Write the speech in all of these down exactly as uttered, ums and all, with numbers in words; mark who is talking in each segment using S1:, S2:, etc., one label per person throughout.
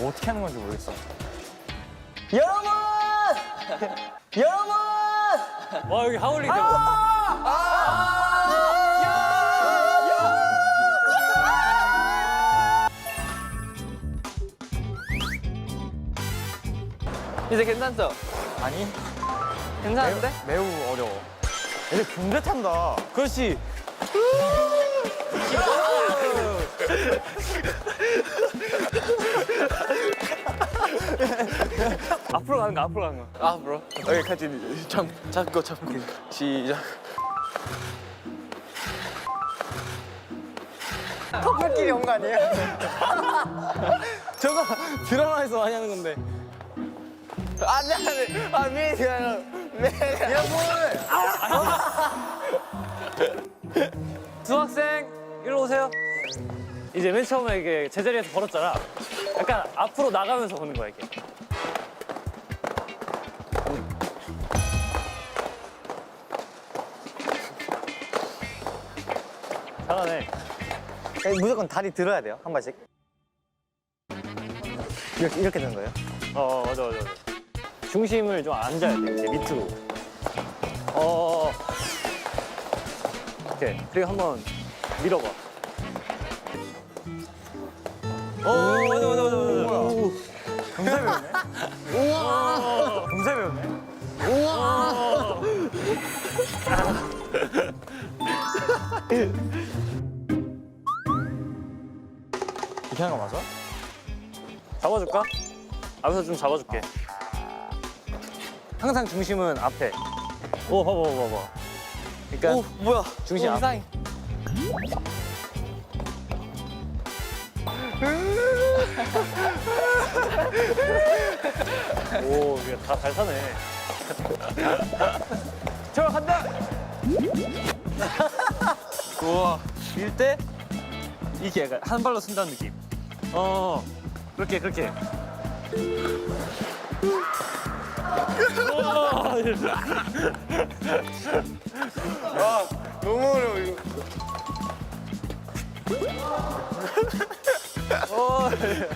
S1: 뭐 어떻게 하는 건지 모르겠어.
S2: 여러분! 여러분!
S3: 와 여기 하울링 되고.
S2: 이제 괜찮죠?
S1: 아니,
S2: 괜찮은데?
S1: 매우 어려워. 얘들 군대 탄다.
S3: 그렇지. 앞으로 가는 거 앞으로 가는 거.
S2: 아, 브로.
S1: 여기까지 잡, 잡고 잡고. 시작. 커플끼리 온 거 아니에요? 저거 드라마에서 많이 하는 건데. 안돼 안돼. 아 미안해요. 미안해요.
S3: 수학생 일로 오세요. 이제 맨 처음에 이게 제자리에서 걸었잖아. 약간 앞으로 나가면서 보는 거야 이게. 잘하네.
S1: 무조건 다리 들어야 돼요 한 발씩. 이렇게 이렇게 되는 거예요?
S3: 어 맞아 맞아 맞아. 중심을 좀 앉아야 돼 이제 밑으로. 어. 오케이. 그리고 한번 밀어봐. 오 맞아 맞아 맞아 맞아.
S1: 금세 배웠네. 우와. 금세 배웠네. 우와. 이렇게 하는 거 맞아?
S3: 잡아줄까? 앞에서 좀 잡아줄게. 항상 중심은 앞에. 오 봐봐 봐봐 봐봐. 그러니까
S2: 오, 뭐야.
S3: 중심
S2: 오,
S3: 앞에.
S2: 이상해.
S3: 오 이게 다 잘 사네. 저 간다. 우와. 밀 때 이게 약간 한 발로 쓴다는 느낌. 어 그렇게 그렇게.
S1: 아 너무 어려워 이거.
S3: 어.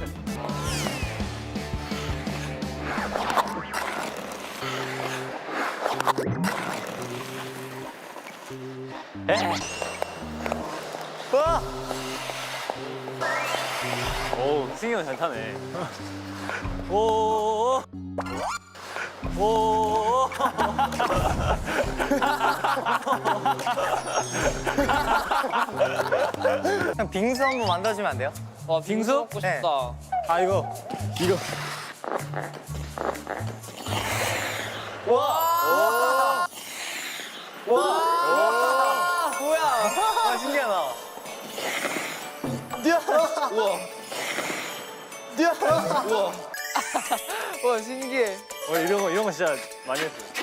S1: 와.
S3: 오 승희 형 잘 타네. 오. 오.
S1: 그냥 빙수 한번 만들어주면 안 돼요?
S2: 와, 빙수 먹고
S1: 네.
S2: 싶다.
S1: 아 이거 이거. 와. 와. 와. 뭐야? 와 신기하다. 뛰어. 우와. 뛰어. 우와.
S2: 와, 신기해.
S3: 어, 이런 거 이런 거 진짜 많이 했어.